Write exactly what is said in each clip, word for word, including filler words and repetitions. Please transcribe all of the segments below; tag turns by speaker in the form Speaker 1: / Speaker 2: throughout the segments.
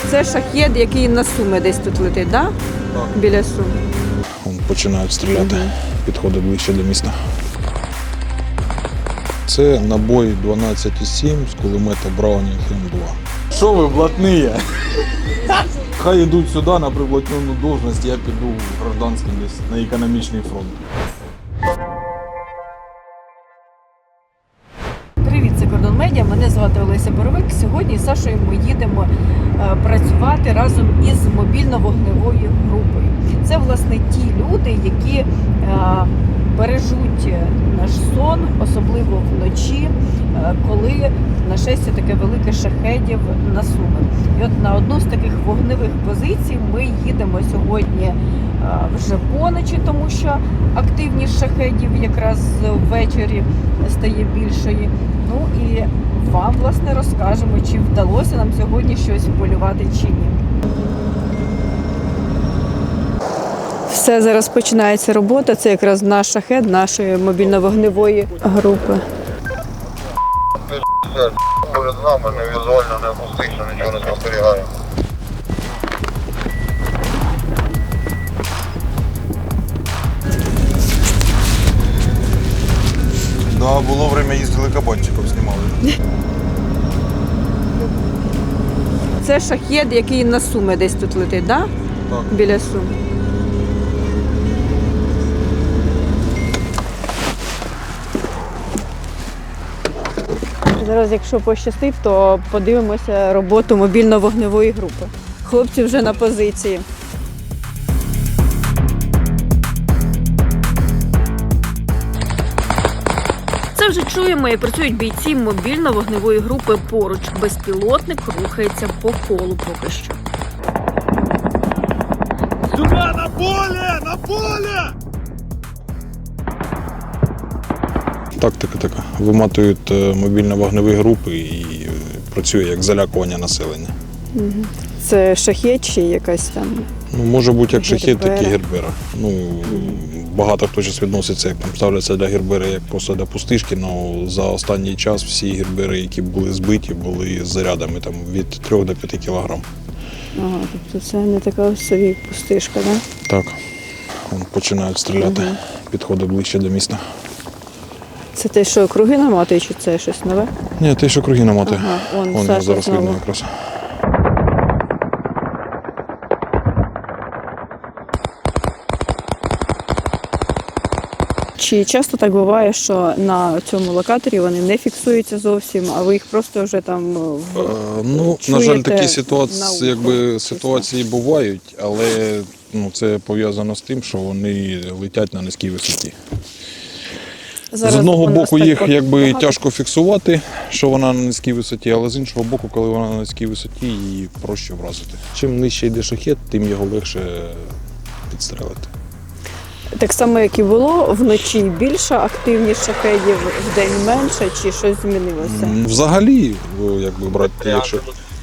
Speaker 1: Це шахед, який на Суми десь тут летить, да?
Speaker 2: Так?
Speaker 1: Біля Сум.
Speaker 2: Вон починають стріляти,
Speaker 1: Угу.
Speaker 2: підходить ближче до міста. Це набой дванадцять сім з кулемета Браунінг М два. Що ви, блатні? Хай йдуть сюди на приблотнену должність, я піду в гражданський десь на економічний фронт.
Speaker 1: Привіт, це Кордон Медіа, мене звати Олеся Боровик. Сьогодні з Сашою ми їдемо е, працювати разом із мобільно-вогневою групою. Це, власне, ті люди, які е, бережуть наш сон, особливо вночі, е, коли нашестя таке велике шахедів на Суми. І от на одну з таких вогневих позицій ми їдемо сьогодні е, вже поночі, тому що активність шахедів якраз ввечері стає більшою. Ну і вам, власне, розкажемо, чи вдалося нам сьогодні щось полювати чи ні. Все, зараз починається робота. Це якраз наш шахед нашої мобільно-вогневої групи.
Speaker 3: Перед нами не візуально, не акустично, нічого не спостерігає.
Speaker 2: Да, було время їздили кабанчиків, знімали.
Speaker 1: Це шахед, який на Суми десь тут летить, да?
Speaker 2: Так?
Speaker 1: Біля Сум. Зараз, якщо пощастить, то подивимося роботу мобільно-вогневої групи. Хлопці вже на позиції. Це вже чуємо і працюють бійці мобільно-вогневої групи поруч. Безпілотник рухається по колу поки що.
Speaker 2: Сюди, на поле! На поле! Тактика така. Виматують мобільно-вогневі групи і працює як залякування населення.
Speaker 1: Це шахед чи якась там?
Speaker 2: Ну, може бути як шахед, так і
Speaker 1: Гербера.
Speaker 2: гербера. Ну, багато хто зараз відноситься, як там ставляться для гербери, як просто для пустишки, але за останній час всі гербери, які були збиті, були з зарядами там, від трьох до п'яти кілограм.
Speaker 1: Ага, тобто це не така собі пустишка, да?
Speaker 2: Так. Вон починають стріляти,
Speaker 1: Угу.
Speaker 2: підходить ближче до міста.
Speaker 1: Це те, що круги наматує, чи це щось нове?
Speaker 2: Ні, те, що круги намати.
Speaker 1: Ага, вон,
Speaker 2: Вон
Speaker 1: Саша
Speaker 2: зараз
Speaker 1: знову.
Speaker 2: видно якраз.
Speaker 1: Чи часто так буває, що на цьому локаторі вони не фіксуються зовсім, а ви їх просто вже там в...
Speaker 2: Е, ну, на жаль,
Speaker 1: чуєте
Speaker 2: такі
Speaker 1: на
Speaker 2: ситуації,
Speaker 1: ухо,
Speaker 2: якби,
Speaker 1: чесно?
Speaker 2: ситуації бувають, але ну, це пов'язано з тим, що вони летять на низькій висоті.
Speaker 1: Зараз
Speaker 2: з одного
Speaker 1: у нас
Speaker 2: боку
Speaker 1: так
Speaker 2: їх якби
Speaker 1: багато.
Speaker 2: тяжко фіксувати, що вона на низькій висоті, але з іншого боку, коли вона на низькій висоті, її проще вразити. Чим нижче йде шахед, тим його легше підстрелити.
Speaker 1: Так само, як і було, вночі більше активність шахедів, вдень менше, чи щось змінилося?
Speaker 2: М, Взагалі, о, якби брати, якщо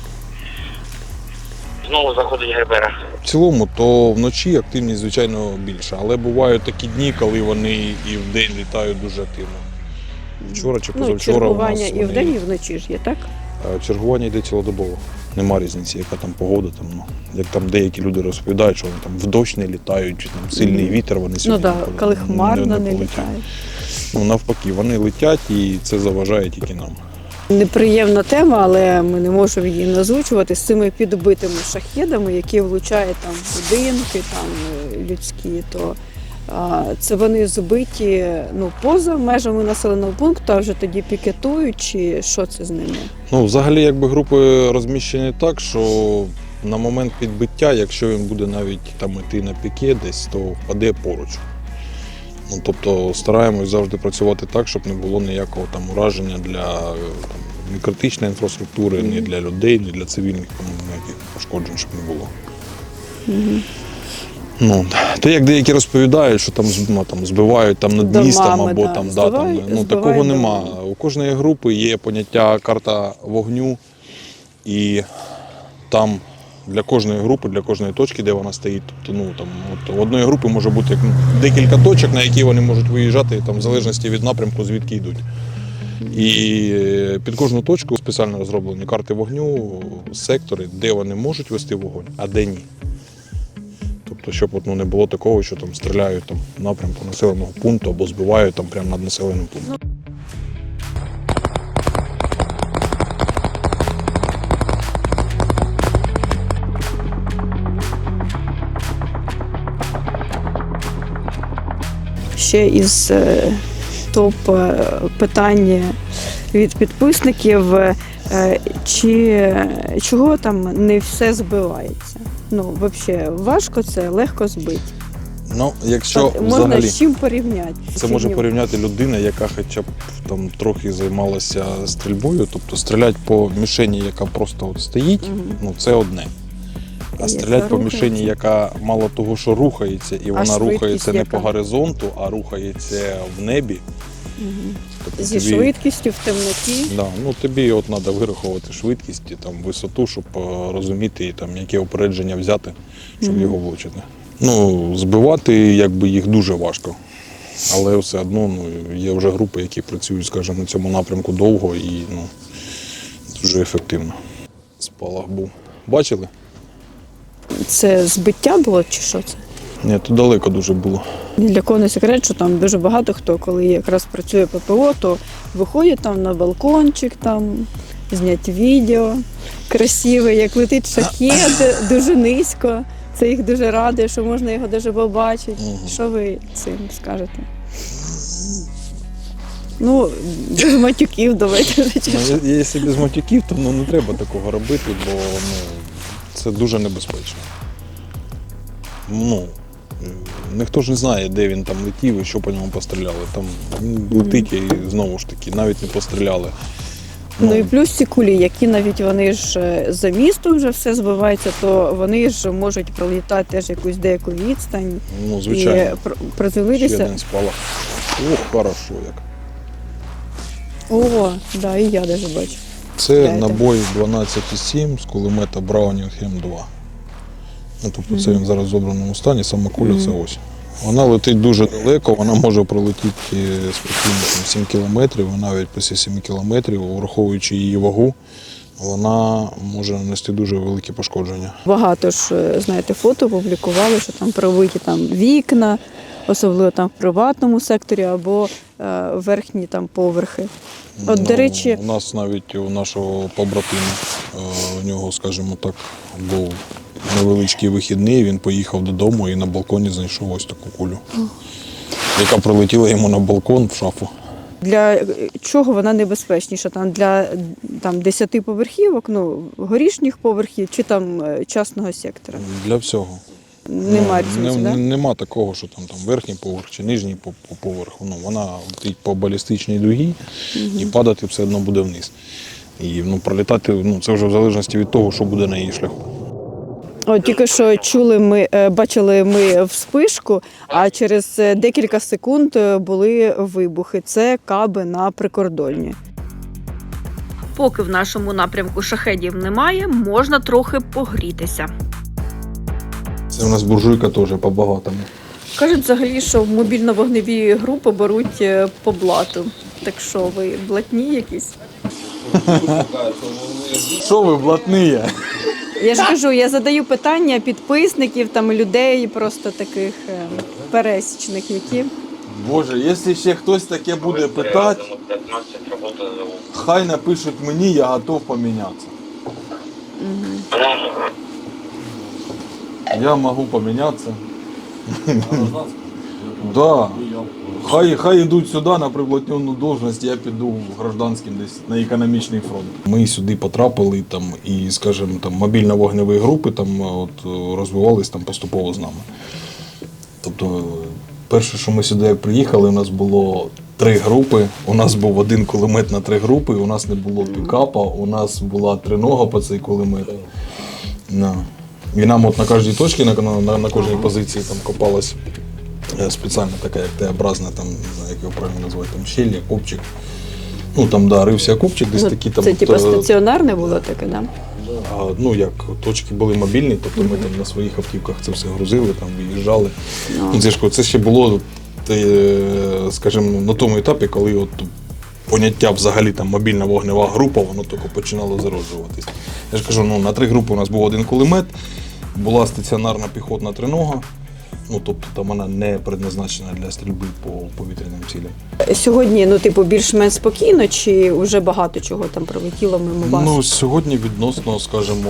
Speaker 3: Знову заходить гербера.
Speaker 2: в цілому, то вночі активність, звичайно, більша. Але бувають такі дні, коли вони і вдень літають дуже активно. Вчора чи
Speaker 1: Ну,
Speaker 2: позавчора у нас
Speaker 1: чергування і
Speaker 2: вони-
Speaker 1: вдень, і вночі ж є, так?
Speaker 2: А чергування йде цілодобово. Нема різниці, яка там погода. Там, ну, як там деякі люди розповідають, що вони там в дощ не літають, чи там сильний вітер, вони
Speaker 1: Ну
Speaker 2: сьогодні
Speaker 1: так,
Speaker 2: ніколи
Speaker 1: коли
Speaker 2: не-
Speaker 1: хмарно не
Speaker 2: полетять.
Speaker 1: літають.
Speaker 2: Ну, навпаки, вони летять і це заважає тільки нам.
Speaker 1: Неприємна тема, але ми не можемо її не озвучувати з цими підбитими шахедами, які влучають там в будинки, там е, людські, то а, це вони збиті ну, поза межами населеного пункту, а вже тоді пікетують, чи що це з ними?
Speaker 2: Ну, взагалі, якби групи розміщені так, що на момент підбиття, якщо він буде навіть там іти на піке десь, то впаде поруч. Ну, тобто стараємось завжди працювати так, щоб не було ніякого там ураження для там, ні критичної інфраструктури, ні для людей, ні для цивільних, там, ніяких пошкоджень, щоб не було.
Speaker 1: Угу.
Speaker 2: Ну, те, як деякі розповідають, що там, з- ну, там збивають там, над
Speaker 1: Домами,
Speaker 2: містом або
Speaker 1: да,
Speaker 2: там, да, там,
Speaker 1: збивають-
Speaker 2: ну,
Speaker 1: збивають
Speaker 2: такого нема.
Speaker 1: домами.
Speaker 2: У кожної групи є поняття карта вогню, і там для кожної групи, для кожної точки, де вона стоїть, тобто, ну, там, от, у одної групи може бути як, ну, декілька точок, на які вони можуть виїжджати, там, в залежності від напрямку, звідки йдуть. І під кожну точку спеціально розроблені карти вогню, сектори, де вони можуть вести вогонь, а де ні. Тобто, щоб от, ну, не було такого, що там стріляють там, в напрямку населеного пункту або збивають там, прямо над населеним пунктом.
Speaker 1: Ще із е, топ е, питань від підписників, е, чи чого там не все збивається? Ну, взагалі, важко це, легко збити.
Speaker 2: Ну, якщо
Speaker 1: От можна
Speaker 2: взагалі,
Speaker 1: з чим порівняти?
Speaker 2: це
Speaker 1: Чи
Speaker 2: може
Speaker 1: ні?
Speaker 2: порівняти людина, яка хоча б там трохи займалася стрільбою, тобто стріляти по мішені, яка просто от стоїть,
Speaker 1: Мгм.
Speaker 2: ну це одне. А
Speaker 1: Яка
Speaker 2: стріляти по мішені,
Speaker 1: рухається.
Speaker 2: яка мало того, що рухається, і вона
Speaker 1: швидкість
Speaker 2: рухається не
Speaker 1: яка?
Speaker 2: по горизонту, а рухається в небі.
Speaker 1: Мгм.
Speaker 2: Тобто
Speaker 1: Зі
Speaker 2: тобі-
Speaker 1: швидкістю в темноті.
Speaker 2: Да, ну тобі от треба вирахувати швидкість, і, там, висоту, щоб е, розуміти, і, там, яке опередження взяти, щоб
Speaker 1: Мгм.
Speaker 2: його влучити. Ну, збивати якби, їх дуже важко. Але все одно ну, є вже групи, які працюють, скажімо, на цьому напрямку довго і ну, дуже ефективно. Спалах був. Бачили?
Speaker 1: Це збиття було чи що це?
Speaker 2: Ні, то далеко дуже було.
Speaker 1: Ні для кого не секрет, що там дуже багато хто, коли якраз працює ППО, то виходять там на балкончик, там зняти відео красиве, як летить шахет дуже низько. Це їх дуже радує, що можна його дуже побачити.
Speaker 2: Мгм.
Speaker 1: Що ви цим скажете? Ну, без матюків давайте.
Speaker 2: Ну, я- якщо без матюків, то ну, не треба такого робити, бо ну, це дуже небезпечно. Ну, е, ніхто ж не знає, де він там летів і що по ньому постріляли. Там він летить і знову ж таки, навіть не постріляли.
Speaker 1: Ну і плюс ці кулі, які навіть вони ж е, за містом вже все збивається, то вони ж можуть пролітати теж якусь деяку відстань
Speaker 2: ну,
Speaker 1: і
Speaker 2: звичайно,
Speaker 1: пр-
Speaker 2: ще
Speaker 1: приземлитися.
Speaker 2: один спалах. Ох, хорошо як.
Speaker 1: О, да, і я навіть бачу.
Speaker 2: Це
Speaker 1: Дайте.
Speaker 2: набой дванадцять сім з кулемета Браунінг М два. Ну, тобто це він зараз в зобраному стані, сама куля це ось. Вона летить дуже далеко, вона може пролетіти спокійно там, сім кілометрів, а навіть після семи кілометрів, враховуючи її вагу, вона може нанести дуже великі пошкодження.
Speaker 1: Багато ж, е, знаєте, фото публікували, що там пробиті там вікна, особливо там в приватному секторі або е, верхні там поверхи. От, до речі-
Speaker 2: у нас навіть у нашого побратима, е, у нього, скажімо так, був невеличкий вихідний, він поїхав додому і на балконі знайшов ось таку кулю, яка прилетіла йому на балкон в шафу.
Speaker 1: Для е, чого вона небезпечніша? Там для там десяти поверхівок, ну горішніх поверхів чи там е, частного сектора?
Speaker 2: Для всього.
Speaker 1: Нема
Speaker 2: Ну,
Speaker 1: різниці,
Speaker 2: не-
Speaker 1: да?
Speaker 2: Нема такого, що там, там верхній поверх чи нижній по- по- поверх. Ну, вона летить по балістичній дугі і падати все одно буде вниз. І ну, пролітати ну, це вже в залежності від того, що буде на її шляху.
Speaker 1: От тільки що чули ми, е, бачили ми вспишку, а через е, декілька секунд е, були вибухи. Це каби на прикордонні.
Speaker 4: Поки в нашому напрямку шахедів немає, можна трохи погрітися.
Speaker 2: Це у нас буржуйка теж по-багатому.
Speaker 1: Кажуть взагалі, що мобільно-вогневі групи беруть е, по блату. Так що ви блатні якісь?
Speaker 2: Що ви, блатні?
Speaker 1: Я ж кажу, я задаю питання підписників, там людей, просто таких е, пересічних, які.
Speaker 2: Боже, якщо ще хтось таке буде питати, хай напишуть мені, я готов помінятися. Я можу помінятися. Да. Хай, хай йдуть сюди на приблотнену должність, я піду в гражданський десь на економічний фронт. Ми сюди потрапили там, і, скажімо, там, мобільно-вогневі групи там, от, розвивались там, поступово з нами. Тобто, перше, що ми сюди як приїхали, у нас було три групи, у нас був один кулемет на три групи, у нас не було пікапа, у нас була тринога по цей кулемет. Да. І нам от на кожній точці, на, на, на кожній позиції там копалась е, спеціальна така, як Т-образна, там, не знаю, як його правильно назвати, там щель, копчик. Ну там, да, рився копчик, десь
Speaker 1: Ну,
Speaker 2: такі там.
Speaker 1: це
Speaker 2: от,
Speaker 1: типу
Speaker 2: е,
Speaker 1: стаціонарне було таке, да?
Speaker 2: а, ну як, точки були мобільні, тобто ми там на своїх автівках це все грузили, там виїжджали.
Speaker 1: Ну.
Speaker 2: Ну, це ж це ще було, те, скажімо, на тому етапі, коли от поняття взагалі там мобільна вогнева група, воно тільки починало зароджуватись. Я ж кажу, ну, на три групи у нас був один кулемет, була стаціонарна піхотна тринога, ну, тобто там вона не предназначена для стрільби по повітряним цілям.
Speaker 1: Сьогодні, ну, типу, більш-менш спокійно, чи вже багато чого там прилетіло мимо вас?
Speaker 2: Ну, сьогодні відносно, скажімо,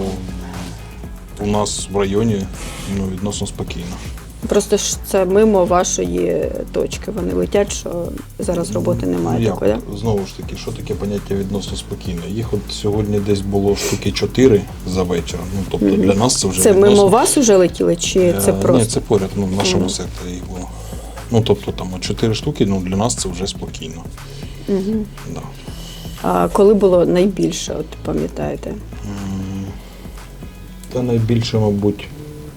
Speaker 2: у нас в районі ну, відносно спокійно.
Speaker 1: Просто ж це мимо вашої точки. Вони летять, що зараз роботи немає
Speaker 2: Ну,
Speaker 1: такої,
Speaker 2: як?
Speaker 1: да?
Speaker 2: Знову ж таки, що таке поняття відносно спокійно? Їх от сьогодні десь було штуки чотири за вечір. Ну, тобто
Speaker 1: Мгм.
Speaker 2: для нас це вже
Speaker 1: Це
Speaker 2: відносно...
Speaker 1: мимо вас уже летіли, чи це
Speaker 2: Е,
Speaker 1: просто?
Speaker 2: Ні, це поряд, ну, в нашому
Speaker 1: Мгм.
Speaker 2: секторі їх було. Ну, тобто там от чотири штуки, ну, для нас це вже спокійно.
Speaker 1: Угу.
Speaker 2: Да.
Speaker 1: А коли було найбільше, от пам'ятаєте?
Speaker 2: М, Та найбільше, мабуть,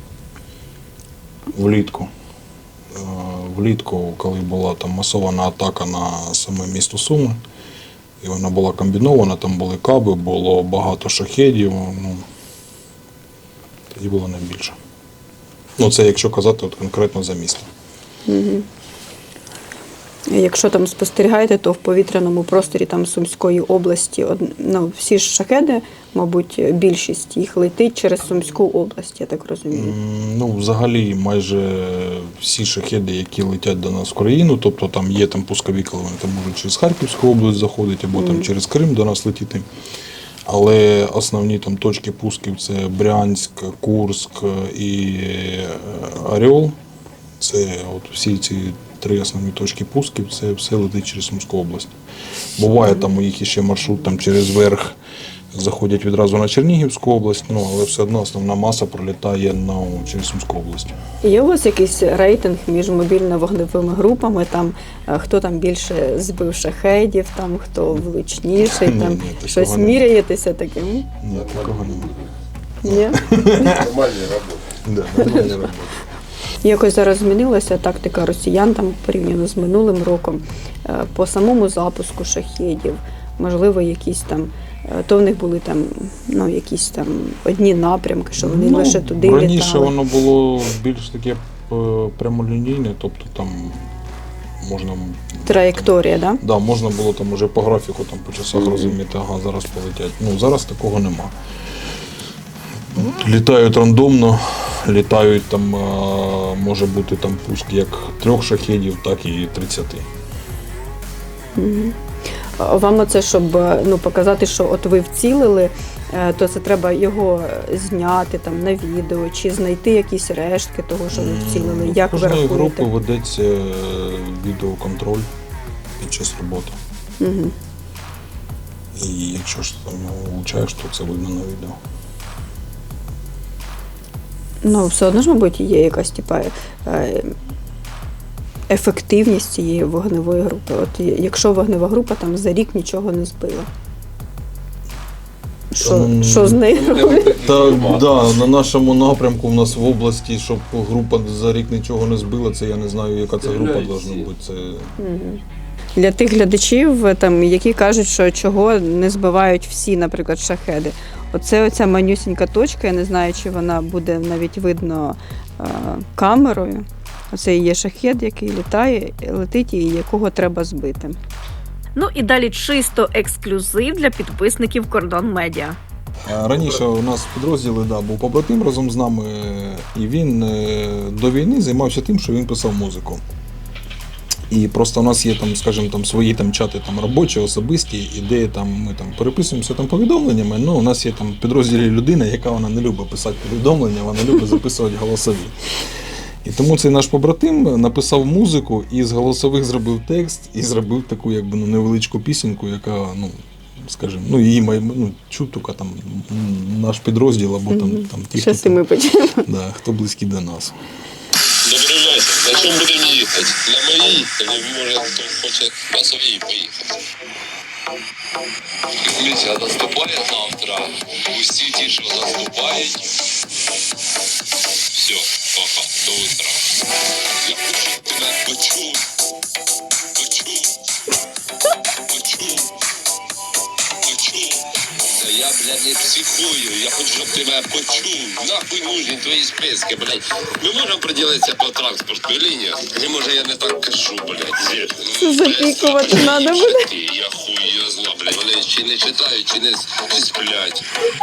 Speaker 2: влітку. Е, Влітку, коли була там масована атака на саме місто Суми, і вона була комбінована, там були каби, було багато шахедів, ну, тоді було найбільше. Ну, це якщо казати от конкретно за місто.
Speaker 1: Угу. Якщо там спостерігаєте, то в повітряному просторі там Сумської області, од- ну, всі ж шахеди, мабуть, більшість їх летить через Сумську область, я так розумію.
Speaker 2: М, Ну, взагалі, майже всі шахеди, які летять до нас в країну, тобто там є там пускові, коли вони там можуть через Харківську область заходити, або там
Speaker 1: Мгм.
Speaker 2: через Крим до нас летіти. Але основні там точки пусків це Брянськ, Курськ і е, Орел. Це от всі ці три основні точки пусків, це все летить через Сумську область. Буває там у їх ще маршрут там через верх, заходять відразу на Чернігівську область, ну але все одно основна маса пролітає на, через Сумську область.
Speaker 1: Є у вас якийсь рейтинг між мобільно-вогневими групами, там, е, хто там більше збив шахедів, там, хто влучніший,
Speaker 2: Ні,
Speaker 1: там,
Speaker 2: ні, такого
Speaker 1: щось
Speaker 2: немає.
Speaker 1: міряєтеся таким?
Speaker 2: Ні, такого немає.
Speaker 1: Ні?
Speaker 3: Нормальні роботи.
Speaker 2: Да, нормальна робота.
Speaker 1: Якось зараз змінилася тактика росіян там порівняно з минулим роком е, по самому запуску шахедів, можливо, якісь там, е, то в них були там, ну, якісь там одні напрямки, що вони
Speaker 2: Ну,
Speaker 1: лише туди
Speaker 2: раніше
Speaker 1: літали.
Speaker 2: воно було більш таке е, прямолінійне, тобто там можна,
Speaker 1: Траєкторія, да?
Speaker 2: да, можна було там уже по графіку там, по часах
Speaker 1: Мгм.
Speaker 2: розуміти, ага, зараз полетять. Ну, зараз такого нема. Літають рандомно, літають там, е, може бути там пуск як трьох шахедів, так і тридцяти.
Speaker 1: Мгм. А Вам оце, щоб е, ну, показати, що от ви вцілили, е, то це треба його зняти там на відео, чи знайти якісь рештки того, що ви вцілили. Як ви
Speaker 2: Кожної групи
Speaker 1: рахуєте?
Speaker 2: ведеться е, відеоконтроль під час роботи.
Speaker 1: Угу.
Speaker 2: І якщо ж там його влучаєш, то це видно на відео.
Speaker 1: Ну, все одно ж, мабуть, є якась типа е, ефективність цієї вогневої групи. От є- якщо вогнева група там за рік нічого не збила. Що,
Speaker 2: Ем,
Speaker 1: що з нею робити?
Speaker 2: Так, да, на нашому напрямку в нас в області, щоб група за рік нічого не збила, це я не знаю, яка це група должна бути. Це
Speaker 1: Мгм. Для тих глядачів, там, які кажуть, що чого не збивають всі, наприклад, шахеди. Оце оця манюсінька точка, я не знаю, чи вона буде навіть видно е, камерою. Оце і є шахед, який літає, летить і якого треба збити.
Speaker 4: Ну і далі чисто ексклюзив для підписників Кордон Медіа.
Speaker 2: А Раніше у нас в підрозділі да, був побратим разом з нами, і він е, до війни займався тим, що він писав музику. І просто у нас є там, скажімо, там свої там чати там робочі, особисті, і де там ми там переписуємося там повідомленнями. Ну, у нас є там в підрозділі людина, яка вона не любить писати повідомлення, вона любить записувати голосові. І тому цей наш побратим написав музику і з голосових зробив текст і зробив таку якби ну, невеличку пісеньку, яка, ну, скажімо, ну її має ну, чуть тільки там м, наш підрозділ або там, там ті, хто,
Speaker 1: Щас і ми почнемо.
Speaker 2: да, хто близькі до нас.
Speaker 5: Добрий вечір. На чому будемо їхати? На моїй? Или може хто хоче на своїй поїхати? Місяця наступає завтра. Усі ті, що наступають. Все, пока, до утра. Я хочу тебе почув. Почув. Почув. Почув. Та я, блядь, не психую. Я хочу, щоб ти мене почув. Нахуй нужні твої списки, блядь. Ми можемо приділитися по транспортній лінії? Чи може я не так кажу, блядь?
Speaker 1: Це запікувати треба буде.
Speaker 5: Я хуй я зла, блядь. Вони чи не читають, чи не с- чи сплять.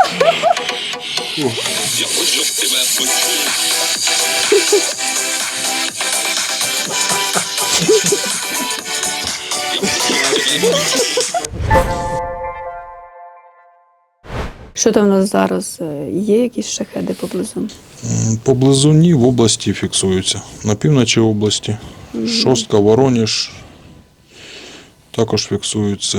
Speaker 5: Я хочу, щоб ти мене почув.
Speaker 1: Що там у нас зараз? Є якісь шахеди поблизу?
Speaker 2: М, Поблизу ні, в області фіксуються. На півночі області. Шостка, Вороніж. Також фіксуються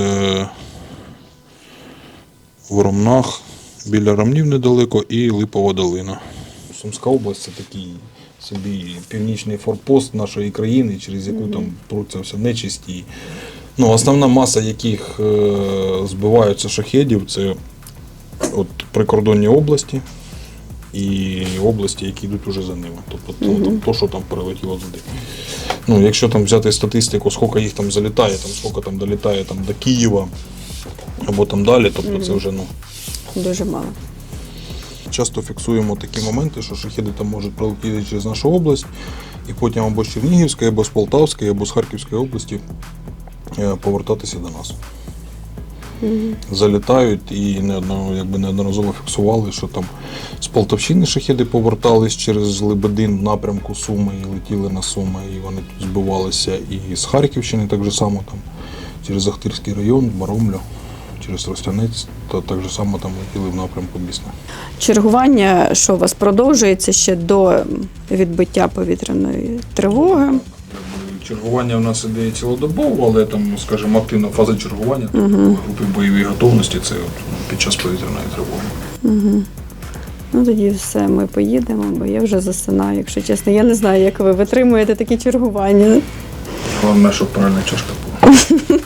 Speaker 2: в Ромнах, біля Ромнів недалеко і Липова долина. Сумська область це такий собі північний форпост нашої країни, через яку там пруться все нечисті. Ну, основна маса яких е, збиваються шахедів, це от прикордонні області і області, які йдуть уже за ними. Тобто то, то, що там перелетіло туди. Ну, якщо там взяти статистику, скільки їх там залітає, там, скільки там долітає там, до Києва або там далі, тобто це вже ну.
Speaker 1: Дуже мало.
Speaker 2: Часто фіксуємо такі моменти, що шахеди там можуть пролетіти через нашу область і потім або з Чернігівської, або з Полтавської, або з Харківської області е, повертатися до нас. Залітають і неодно, якби неодноразово фіксували, що там з Полтавщини шахеди повертались через Лебедин в напрямку Суми і летіли на Суми, і вони тут збивалися. І з Харківщини так же само там через Ахтирський район, Маромлю, через Ростянець, то так же само там летіли в напрямку Бісна.
Speaker 1: Чергування, що у вас продовжується ще до відбиття повітряної тривоги?
Speaker 2: Чергування в нас іде цілодобово, але там, скажімо, активна фаза чергування угу. групи бойової готовності це от під час повітряної тривоги.
Speaker 1: Угу. Ну тоді все, ми поїдемо, бо я вже засинаю, якщо чесно. Я не знаю, як ви витримуєте такі чергування.
Speaker 2: Головне, щоб правильна чашка була.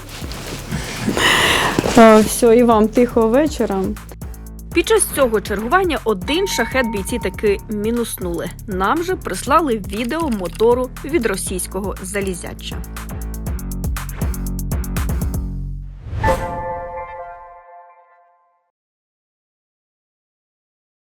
Speaker 1: Все, і вам тихого вечора.
Speaker 4: Під час цього чергування один шахет бійці таки мінуснули. Нам же прислали відео мотору від російського залізяча.